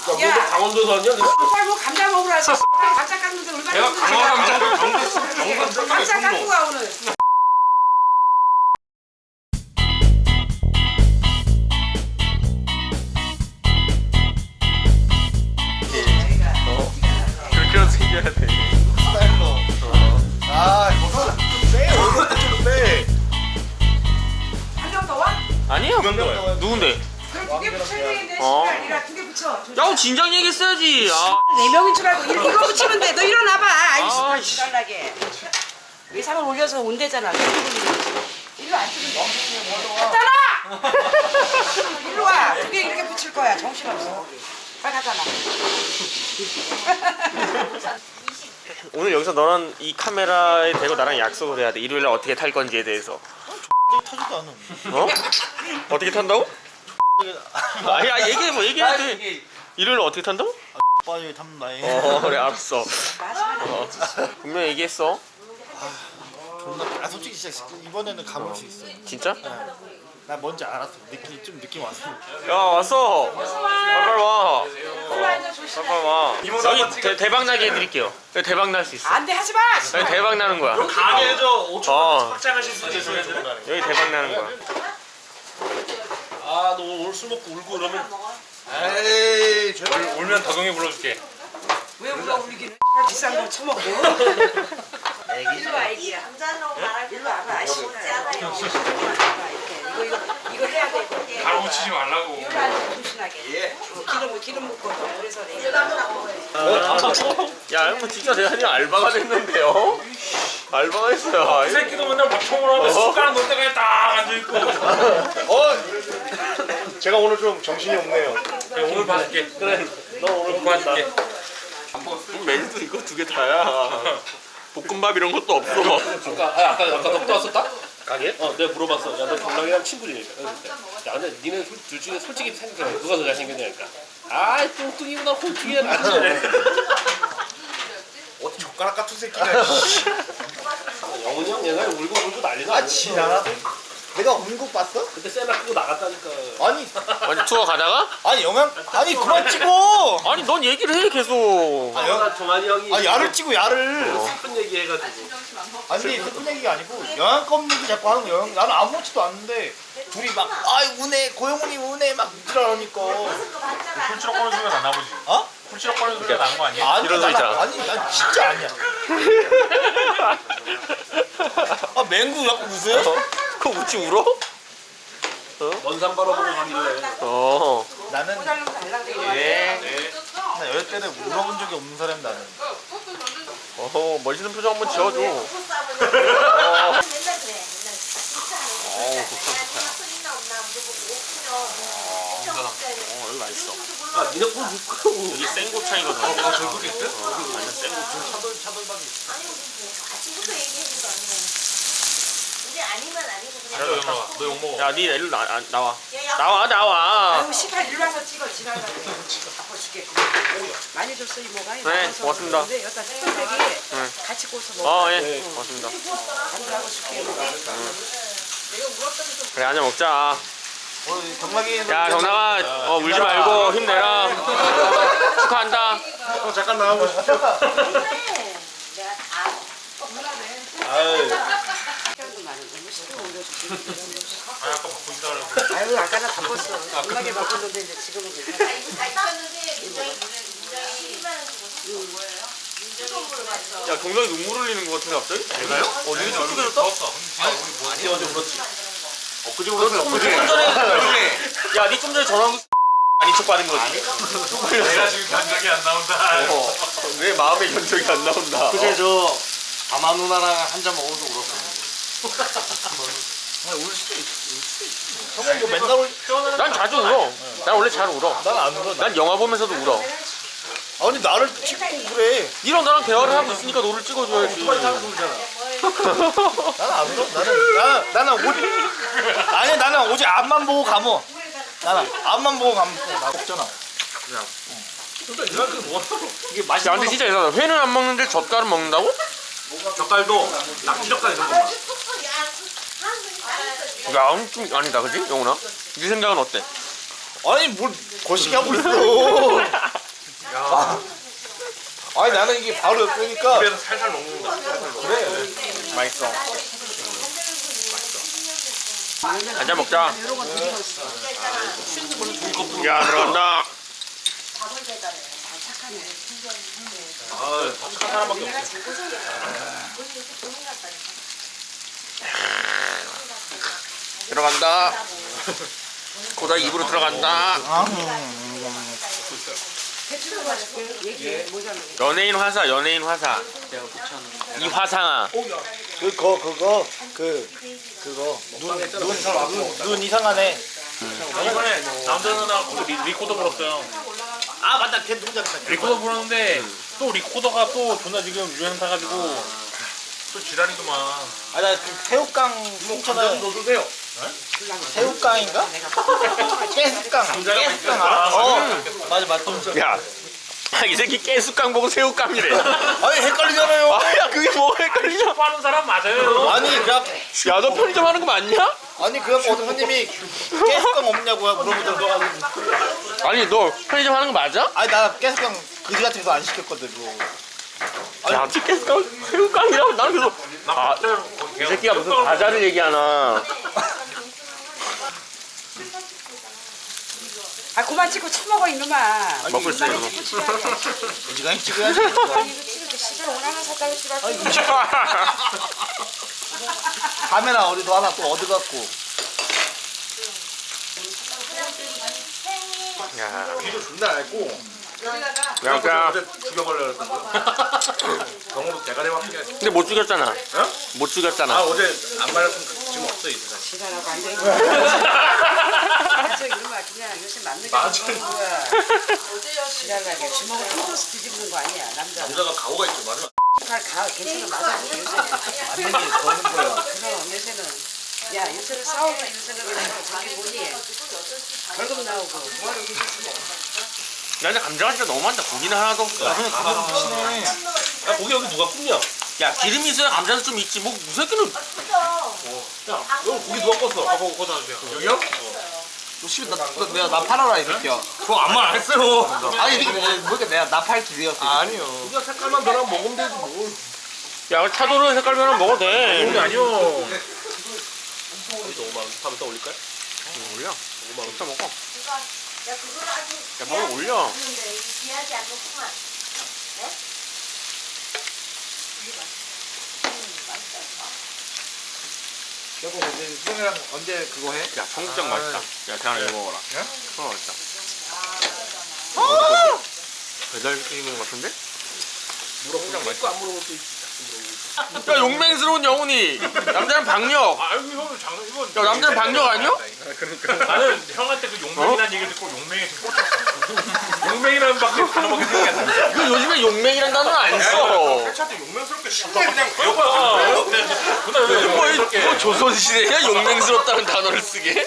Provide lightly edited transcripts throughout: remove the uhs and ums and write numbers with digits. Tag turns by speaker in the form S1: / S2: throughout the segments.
S1: 야,
S2: 강원도서 아니야?
S1: 빨리 뭐 감자 먹으라 해서 감자 깎는데 얼마나
S2: 내가
S1: 힘든지 감자 깎고 가 오늘.
S3: 그렇게 생겨야 돼.
S4: 스타일로. 아, 이거는 좀 빼. 오늘도 좀 빼.
S1: 한 명 더 와?
S3: 아니야. 누군데?
S1: 그럼 두 개 붙여야 되는데
S3: 어.
S1: 시간 아니라 두 개 붙여.
S3: 야, 진작 얘기했어야지. 아,
S1: 네 명인 줄 알고 이거 붙이면 돼. 너 일어나봐.
S3: 아,
S1: 아이씨, 달라게. 외상을 올려서 온대잖아. 일로 안 뜨면 돼. 갔잖아. 일로 와. 두 개 이렇게 붙일 거야. 정신없어. 빨리 가잖아.
S3: 오늘 여기서 너는 이 카메라에 대고 나랑 약속을 해야 돼. 일요일날 어떻게 탈 건지에 대해서.
S4: 타지도 않아.
S3: 어? 어떻게 탄다고? 야, 얘기해도 돼. 일요일날 어떻게 탄다고?
S4: 빨리 탐나해.
S3: 그래, 알았어. 분명히 얘기했어.
S4: 존나. 아, 솔직히 진짜 이번에는 가볼 수 있어.
S3: 진짜?
S4: 나 뭔지 알았어. 느낌 왔어.
S3: 야, 왔어. 빨리 와. 빨리 와. 여기 대박 나게 해드릴게요. 여기 대박 날 수 있어.
S1: 안 돼, 하지 마.
S3: 여기 대박 나는 거야.
S2: 가게 해줘. 5초
S3: 확장하실
S2: 수 있어.
S3: 여기 대박 나는 거야.
S2: 아, 너 오늘 술 먹고 울고 그러면
S4: 에이, 제발.
S2: 울면 덕영이 불러줄게.
S1: 왜 우리가 울리기는 비싼 걸 처먹고. 일로 와, 애기야. 일로 와봐, 아씨. 이거 해야 돼. 이거.
S2: 바로 묻히지 말라고.
S1: 일로 앉아, 조신하게. 기름 묻고 그래서
S3: 야, 형 진짜 내가 그냥 알바가 됐는데요? 알바가 했어요.
S2: 이 새끼도 맨날 막총을 하면 숟가락 놓을 때까지 딱 앉아있고.
S4: 제가 오늘 좀 정신이 없네요.
S2: 그래, 오늘 봐줄게. 그래, 너 오늘 봐줄게.
S3: 메뉴도 이거 두 개 다야. 볶음밥 이런 것도 없어.
S5: 아까 넉도 왔었다? 가게? 내가 물어봤어. 야, 너 경락이랑 친구지? 야, 근데 니네 둘 중에 솔직히 생각해. 누가 더 잘생겼냐니까. 아, 뚱뚱이보다 홀쭉이가 낫지.
S4: 어디 젓가락 같은 새끼가.
S5: 영훈이 형 옛날에 울고 난리나.
S4: 아, 지나라도. 내가 온 거 봤어?
S5: 그때 셀라 끄고 나갔다니까.
S4: 아니,
S3: 아니, 투어 가다가?
S4: 아니 그만 찍어.
S3: 아니, 넌 얘기를 해, 계속.
S5: 나 종환이 형이
S4: 아, 야를 찍고 야를.
S5: 슬픈 얘기 해가지고.
S4: 아니, 슬픈 얘기가 아니고 영양검 얘기 자꾸 하는 거야. 나는 아무렇지도 않는데 둘이 막 운해 고영훈이 운해 막 이러니까.
S2: 훌치럭 거리는 소리가 났나 보지.
S4: 어?
S2: 훌치럭 거리는 소리가 난 거 아니야?
S4: 아니,
S3: 이런 소 있잖아.
S4: 아니, 난 진짜 아니야. 아, 맹구 자꾸 웃어요?
S3: 그거 웃지 울어?
S5: 먼산 바라보고 가길래.
S4: 나는
S3: 예.
S4: 나 열 때는 울어본 적이 없는 사람 나는.
S3: 멋있는 표정 한번 지어줘. 여기 맛있어.
S5: 아, 니네 꼴 묻고.
S3: 여기 생고창이거든.
S2: 저기 있어?
S3: 완전 생고창.
S6: 아침부터 얘기했는 거 아니에요? 이제 아니면 아니고 그냥
S2: 너 욕먹어.
S3: 야, 니 일로 나와.
S6: 야,
S3: 나와.
S1: 아유, 18 일로 와서 찍어. 지나가고. 바빠 죽겠고. 많이 줬어, 이모가.
S3: 네, 고맙습니다.
S1: 근데 여기다 스팸백이 같이 구워서 먹어.
S3: 예. 고맙습니다.
S1: 안주하고 줄게.
S3: 그래, 한잔 먹자.
S4: 경락이.
S3: 야, 경남아, 울지 말고 힘내라. 축하한다.
S4: 형 잠깐 나와보시죠.
S6: 그래. 내가 다
S1: 시간도 많은데 뭐 시간 올려줄게.
S2: 아까 바쁘시다 그러고.
S1: 아유, 아까 나 바빴어. 겁나게 바빴는데 이제 지금은 괜찮아.
S6: 이거 잘 땄는데 굉장히 12만 원 주고 뭐예요? 민정이 봤어.
S3: 야, 경남이 눈물 흘리는 것 같은데 갑자기?
S2: 내가요?
S3: 눈이 좀
S2: 얼굴이
S3: 크게
S2: 부었어. 얼굴이 부었어.
S5: 아니, 어제 울었지.
S3: 엊그제 울었어, 엊그제. 야, 니 좀 전에 전화한 거 아닌 척 받은 거지?
S2: 내가 지금 견적이 안 나온다.
S3: 왜 마음의 견적이 안 나온다?
S4: 그제 저 아마 누나랑 한 잔 먹어서 울었어. 울 수도 있어. 형은 뭐 맨날 울.
S3: 난 자주 울어. 난 원래 잘 울어.
S4: 난 안 울어.
S3: 난 영화 보면서도 울어.
S4: 아니 나를 찍고 그래.
S3: 니랑 나랑 대화를 하고 있으니까 너를 찍어줘야지.
S4: 나는 안 울어. 나는 오직 나는 오직 앞만 보고 감어. 나는 앞만 보고 감고 나 없잖아.
S3: 이게 맛이. 야, 근데 진짜 이상하다. 회는 안 먹는데 젓갈은 먹는다고?
S2: 젓갈도 낙지젓갈 이런 거만.
S3: 야, 좀 아니다, 그지? 영훈아? 네 생각은 어때?
S4: 아니 뭘 거시기 하고 있어. 나는 이게 바로 옆이니까
S2: 입에서 살살 녹는다. 살살 녹는다.
S4: 그래.
S3: 맛있어. 한잔 먹자. 야 들어간다.
S2: 아, 착한 사람밖에 없어.
S3: 들어간다. 고다이 입으로 들어간다. 연예인 화사, 연예인 화사. 이 화상아.
S4: 눈 이상하네.
S2: 이번에 남자 누나하고 리코더 불었어요.
S4: 아 맞다, 걔 누구냐?
S2: 리코더 불었는데 또 리코더가 또 존나 지금 유행 타가지고 또 지랄이구만.
S4: 아나 그 새우깡 춘천에
S2: 넣어주세요.
S4: 새우깡인가? 깨스깡. 깨스깡 알아? 맞아 맞다.
S3: 야, 이 새끼 깨수깡 보고 새우깡이래.
S4: 아니 헷갈리잖아요.
S3: 아, 야 그게 뭐 헷갈리냐?
S2: 하는 사람 맞아요.
S4: 아니 그냥
S3: 야, 너 편의점 하는 거 맞냐?
S4: 아니 그래갖고 어떤 손님이 깨스깡 없냐고 물어보더라고.
S3: 아니 너 편의점 하는 거 맞아?
S4: 아니 나 깨스깡 그지 같은 거 안 시켰거든. 그거.
S3: 야, 깨수깡 새우깡이라고 나는 그래서 아, 이 새끼가 무슨 과자를 얘기하나?
S1: 아 그만 찍고 처먹어 이놈아.
S3: 먹고 있어요.
S1: 이만해 찍고 치라고.
S4: 어지간히 찍어야지.
S1: 이거 찍을 때 시절 원하나 샀다고 치라고.
S4: 카메라 어디서 하나 또 얻어갖고.
S3: 야,
S2: 귀도 존나 얇고.
S3: 야,
S2: 어제 죽여버려 그랬거든. 병으로 대가리 확인.
S3: 근데 못 죽였잖아. 못
S2: 아
S3: 죽였잖아.
S2: 어제 안 말했으면 지금 없어 이 세상.
S1: 지랄하고 앉아있는 앉아 이놈아 그냥 요새 맞는 게
S2: 맞아.
S1: 없는 거야. 지랄하게 주먹을 뜯어서 뒤집는 거 아니야 남자.
S2: 남자가 가오가 있죠 맞아.
S1: 가 괜찮아 맞아 요새는.
S4: 맞는 게 거는 거야.
S1: 그럼 요새는 야 요새는 싸우고 요새는 저기 뭐니 벌금 나오고 뭐하러 계속
S3: 야, 근데 감자가 진짜 너무 많다. 고기는 하나도 없어.
S4: 미치네.
S2: 야 고기 여기 누가 굽냐?
S3: 야, 기름이 있어야 감자도 좀 있지. 뭐 무새끼는
S2: 야 여기 고기 누가 껐어? 아 그거 꽂아 주세요. 여기요?
S4: 나 팔아라 이 새끼야.
S2: 그거 아무 말 안 했어요.
S4: 아니 이게 뭐니까 내가 나 팔기 위해서.
S2: 아니요. 우리가 색깔만 변하면 먹으면 되지 뭘.
S3: 야, 차도는 색깔 변하면 먹어도 돼.
S2: 그게 아니요.
S5: 여기서 5만 원. 다음에 또 올릴까요?
S3: 올려.
S5: 5만 원.
S3: 또 먹어.
S6: 야 그거를 아주
S3: 야, 먹어 올려.
S6: 근데 귀하지 않겠구만.
S4: 여보 근데 수영이랑 언제 그거 해?
S3: 야, 청국장 맛있다. 야, 대한아 이거 먹어라. 어, 맛있다. 배달 시키는 것 같은데?
S5: 물어보고 맛있고 안 물어볼 수 있지.
S3: 야, 용맹스러운 영훈이. 남자는 박력.
S2: 아 여기 형은 장난 이거.
S3: 야, 남자는 박력 아니야?
S2: 나는 형한테 그 용맹이라는 얘기를 듣고 용맹이 좀 꽂혔어. 용맹이라는 밖에 단어밖에 생각이 안 나.
S3: 그 요즘에 용맹이란 단어는 안 써.
S2: 해차도 용맹스럽게 쉽게 그냥 여봐. 그날
S3: 뭐,
S2: 왜
S3: 뭐 조선시대야? 용맹스럽다는 단어를 쓰게?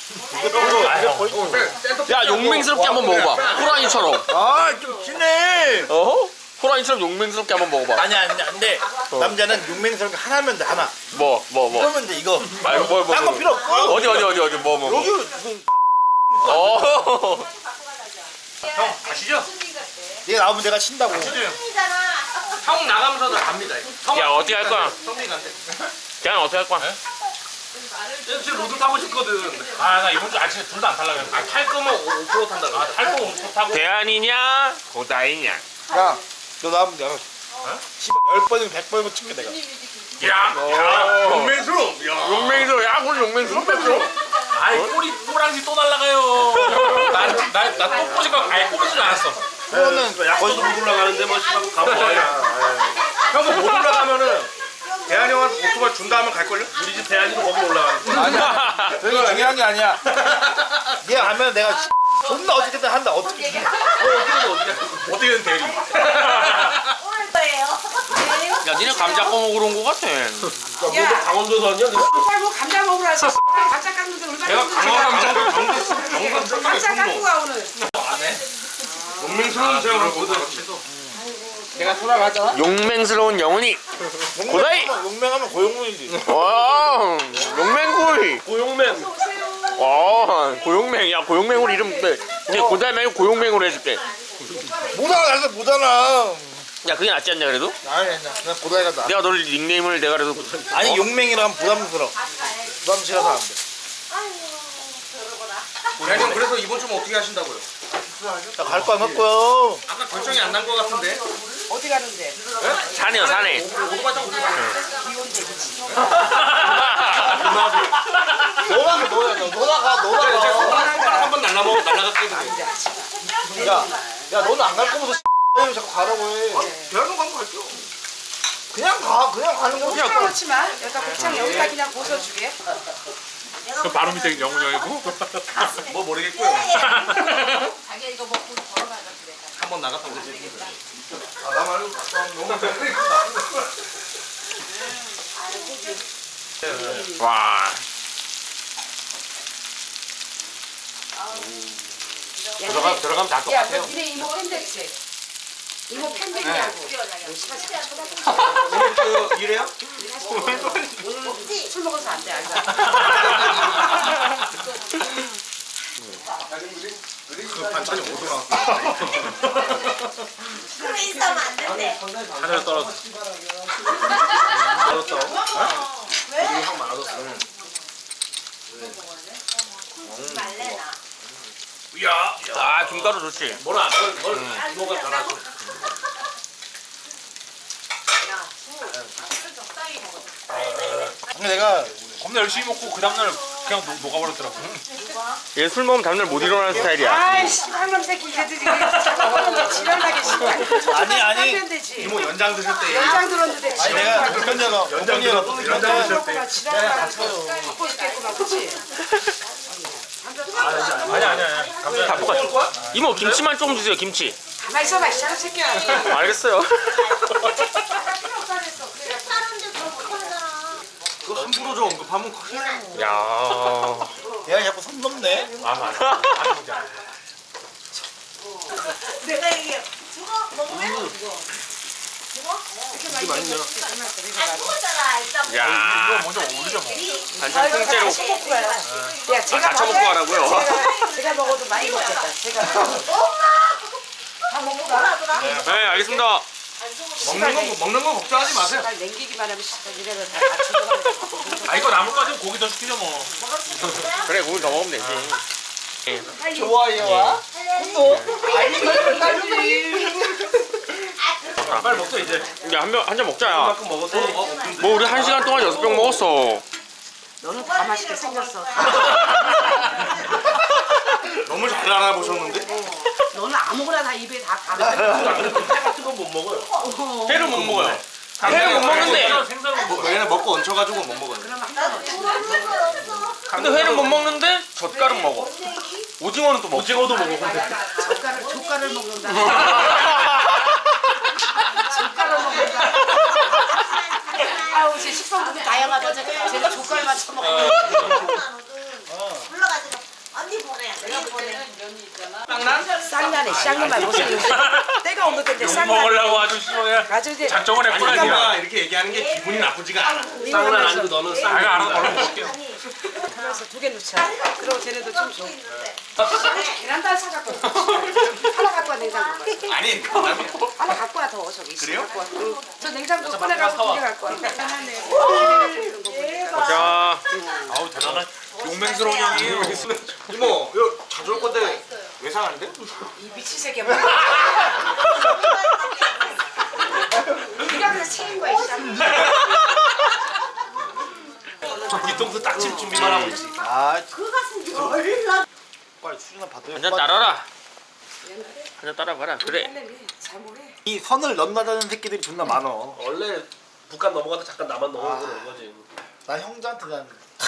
S3: 야, 용맹스럽게 한번 먹어봐. 호랑이처럼.
S4: 아좀 진해.
S3: 어? 호랑이처럼 용맹스럽게 한번 먹어봐.
S4: 아니야 근데 남자는 용맹스러운 게 하나면 돼 하나.
S3: 뭐.
S4: 그러면 돼 이거.
S3: 아이고, 뭐.
S4: 딴 거 필요 없고.
S3: 어디, 뭐.
S4: 여기
S3: 어.
S2: 형 가시죠.
S4: 얘 나오면 내가 친다고.
S6: 팬이잖아.
S2: 형 나가면서도 갑니다.
S3: 야, 어떻게 할 거야?
S2: 성민 간대.
S3: 대한 어떻게 할 거야?
S2: 지금 로드 타고 싶거든. 아 나 이번 주 아침에 둘 다 안 탈라 그랬어. 탈 거면 5% 탄다. 탈 거면 5% 타고.
S3: 대한이냐? 고다이냐?
S4: 야, 너 나오면 내가 씨발 10번이면 100번이면 찍게 내가.
S2: 야, 용맹스러워. 야.
S3: 용맹스러워. 야, 오늘 용맹스러워.
S2: 아이 꼬랑지 또 날라가요. 나또 꼬지가 아예 꼬지도 않았어.
S4: 그거는
S2: 거기도 못 올라가는데 뭐 씨발 가면 뭐야. 형도 못 올라가면은 대한이 형한테 오토바이 준다 하면 갈걸요? 우리 집 대한이도 거기 올라가는
S4: 아니야. 그게 중요한 게 아니야. 얘 하면 내가 존나 어떻게든 한다. 어떻게 해?
S2: 어떻게든 대리.
S6: 오늘 거예요.
S3: 야, 니네 감자 꺼먹으러 온 거 같아.
S1: 야
S5: 강원도에서 왔냐?
S1: 빨리 뭐 감자 먹으러 와서 감자 깎는데 얼마나
S2: 내가
S1: 힘들어.
S2: 강원
S1: 감자 깎고 가 오늘.
S2: 용맹스러운 제가 거든.
S4: 내가 돌아가잖아.
S3: 용맹스러운 영훈이. 고다이!
S4: 용맹하면 고용문이지.
S3: 와, 용맹구이.
S2: 고용맨.
S3: 와, 고용맹. 야, 고용맹으로 이름 돼. 이제 고다이 말고 고용맹으로 해줄게.
S4: 못 알아, 못 알아.
S3: 야 그게 낫지 않냐 그래도?
S4: 아니 그냥 고다이가 나.
S3: 내가 너를 닉네임을 내가 그래도
S4: 아니 용맹이라 하면 부담스러워. 부담스러워서 안 돼.
S2: 대한이 형 그래서 이번 주면 어떻게 하신다고요?
S4: 나 갈 거 안 갔고요.
S2: 아까 결정이 안 난 거 같은데.
S1: 어디 가는데?
S3: 사네요 사네.
S2: 오토바이 타고
S4: 너가 너가
S2: 한번 날라갔거든.
S4: 야 너는 안 갈 거면서 왜 자꾸 가라고 해.
S2: 대한이 가면 갈게요.
S4: 그냥 가는 거.
S1: 곱창 넣지 마. 여기다 곱창 여기다 그냥 벗어주게.
S5: 바로 밑에 영훈이 형이고.
S2: 뭐 모르겠고요.
S6: 자기가 이거 먹고 걸어가자 그래.
S2: 한번 나갔다 오지. 나 말고 너무
S3: 와.
S2: 들어가면 다
S1: 야,
S2: 똑같아요.
S1: 너 니네 이모 팬됐지? 이모 팬됐냐고.
S2: 그 이래요?
S1: 오늘 술 먹어서 안 돼, 알자.
S2: 그 반찬이 어디서 나왔어?
S6: 술에 있으면 안 된대.
S5: 하늘 떨어졌어.
S2: 알았어.
S6: 왜?
S2: 형 맞았어.
S6: 말래 나.
S2: 야,
S3: 아 김가루 좋지.
S2: 뭐라 뭘 이모가 전화줘.
S6: 야, 술 적당히 먹어.
S4: 근데 내가
S5: 겁나 열심히 먹고 그 다음날 그냥 녹아버렸더라고.
S3: 얘 술 먹으면 다음날 못 일어나는 스타일이야.
S1: 아이씨, 한놈 새끼 걔들이 잠깐만 지랄나게 씨발.
S4: 아니.
S1: 하면 되지.
S2: 이모 연장 드실 때.
S1: 연장 들었는데
S4: 아니 내가 불편자가 어머니가
S2: 연장 드실 때.
S1: 지랄나게 바빠 죽겠구나, 그치?
S5: 아니야.
S3: 다 똑같아. 이모 김치만 조금 주세요 김치.
S1: 가만히 있어봐, 이 사람 새끼야.
S3: 알겠어요.
S6: 사람들 그거 못하잖아.
S2: 그 함부로 좀 언급하면 큰일 나요.
S3: 야.
S4: 얘가 자꾸 선 넘네.
S6: 내가 얘기해. 죽어? 먹으면? 죽어?
S2: 이게 맛있냐?
S6: 안 죽었잖아. 일단
S3: 야.
S5: 먼저 올리자 뭐.
S3: 반찬 통째로
S1: 야, 제가
S3: 같이 먹고 가라고요.
S1: 제가 먹어도 많이 먹겠다. 제가
S6: 다 먹고 가라더라.
S3: 네 알겠습니다.
S2: 먹는 거 걱정하지 마세요.
S1: 날 냉기기만 하면 씨발 니네가 다 맞추고
S5: 아 이거 남을 거면 고기 더 시키죠 뭐.
S3: 그래 고기 더 먹으면 되지.
S4: 좋아요와
S5: 빨리 먹자 이제.
S3: 야 한 잔 먹자 야.
S2: 그만큼 먹어도
S3: 뭐 우리 1시간 동안 6병 먹었어.
S1: 너는 다 맛있게 생겼어.
S2: 너무 잘 알아보셨는데?
S1: 너는 아무거나 다 입에 다 가려.
S2: 같은 건 못 먹어요.
S3: 회를 못 먹어요. 회를 못 먹는데.
S5: 생선은 뭐.
S2: 얘는 먹고 얹혀가지고 못 먹어요.
S3: 근데 회는 못 먹는데 젓갈은 먹어. 오징어는 또 먹어.
S5: 오징어도 먹어. 근데.
S1: 젓갈을 먹는다. 젓갈을 먹는다. 아우 제 식성들이 다양하다. 쟤는 젓갈만 처먹고.
S6: 불러가지고 언니 보내. 내가 보내.
S1: 쌍난해 쌍놈만 무슨 때가 없는 건데
S5: 욕
S1: 쌍난.
S5: 먹으려고 아주 심하게
S1: 아주 이제
S5: 작정을
S2: 아니
S5: 했구나.
S2: 내가 이렇게 얘기하는 게 기분이 나쁘지가 않아.
S5: 쌍난 아니고 너는 쌍. 내가 알아서 얼른 먹을게.
S1: 하나서 2개 넣자. 그리고 쟤네도 좀 줘. 계란단 사갖고 하나 갖고 와 냉장고.
S2: 아니
S1: 하나 갖고 와 더 저기.
S2: 그래요?
S1: 갖고 와. 저 냉장고 꺼내가서 2개 갖고 와.
S3: 자.
S5: 아우 대단한 용맹스러운 형이에요.
S2: 이모 이거 자주 올 건데 외상한데?
S1: 이 미친 새끼야. 네가 그래서 책인 거야, 이 쌍.
S2: 저 뒤통수 딱칠 준비만 하고 있지.
S4: 아
S6: 그 가슴 열나.
S4: 빨리 수준아 받아요.
S3: 한 잔 따라라. 한 잔 따라봐라. 그래.
S1: 잘 모르.
S4: 이 선을 넘나다는 새끼들이 존나 많어.
S5: 원래 북한 넘어가다 잠깐 나만 넘어오는 거지.
S4: 난 형제한테 난.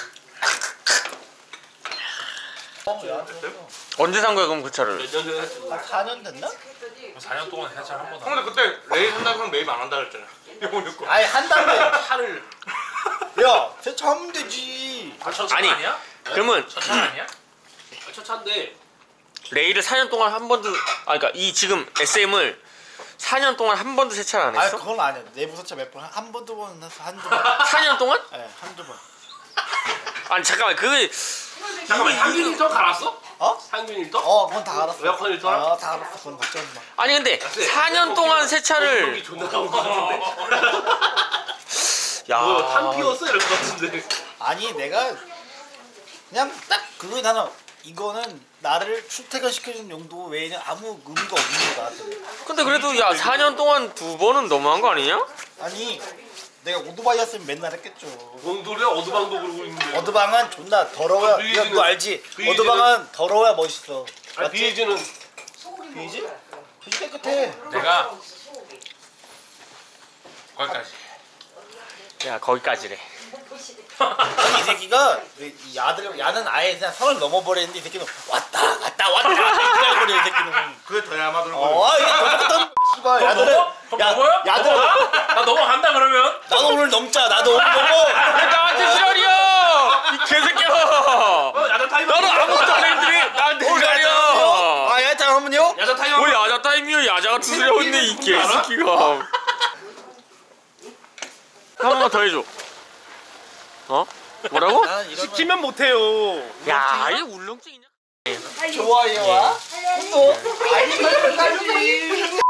S3: 언제 산 거야 그럼 그 차를?
S5: 몇 년 전에 했지.
S4: 한 4년 됐나?
S5: 4년 동안 해찰 한 번도.
S2: 근데 그때 레이 산다고 형 매입 안 한다 그랬잖아.
S4: 아니 한 달에
S5: 차를.
S4: 야 세차하면 되지.
S5: 첫
S3: 아니.
S5: 아니야?
S3: 그러면
S5: 첫 차 아니야? 첫 차인데.
S3: 레이를 4년 동안 한 번도 그러니까 이 지금 SM을 4년 동안 한 번도 세차를 안
S4: 아니
S3: 했어?
S4: 그건 아니야. 내부 세차 몇 번 한 번 두 번 해서 한두 번.
S3: 4년 동안?
S4: 예, 한두 번.
S3: 아니 잠깐만 그게
S5: 잠깐만 3일 더 갈았어?
S4: 어?
S5: 상균 일도?
S4: 그건 다 알았어.
S5: 에어컨 일도나?
S4: 다 알았어. 그건 걱정 마.
S3: 아니 근데 4년 동안 새 차를
S5: 존나 나온 거 같은데.
S3: 야
S5: 뭐탄 피웠어 이럴 것 같은데.
S4: 아니 내가 그냥 딱 그거 하나 이거는 나를 출퇴근시켜주는 용도 외에는 아무 의미가 없는 거다.
S3: 근데 그래도 야 4년 동안 2번은 너무한 거 아니냐?
S4: 아니 내가 오토바이였으면 맨날 했겠죠.
S5: 뭔 소리야? 어드방도 그러고 있는데.
S4: 어드방은 존나 더러워야
S5: BH는
S4: 이거 너 알지?
S5: BH는
S4: 어드방은 더러워야 멋있어.
S5: 아니
S4: 맞지?
S5: 비에즈는
S4: 비지? 비지 깨끗해.
S2: 내가 거기까지.
S3: 야 거기까지래.
S4: 아니 이 새끼가 이 야는 아예 그냥 선을 넘어버리는데 이 새끼는 왔다 기다려버려 이 새끼는.
S2: 그게 더 야마들고.
S4: 이게 넘어갔던 씨발 야들은
S5: 넘어요?
S4: 야들은
S5: 나 넘어간다 그러면?
S4: 나도 오늘 넘자. 나도 오늘 넘어.
S3: 왜 나한테 지랄이야! 이 개새끼야!
S5: 야자 타임.
S3: 너는 아무것도 안 했더니 나한테 지랄이야!
S4: 야자 하면요?
S5: 야자 타임.
S3: 뭐 야자 타임이야 야자 같은 소리 하고 있네 이 개새끼가. 한 번만 더 해줘. 어? 뭐라고?
S5: 시키면 못해요.
S3: 야 이게 울렁증이냐?
S4: 좋아요와 구독 알림 설정까지.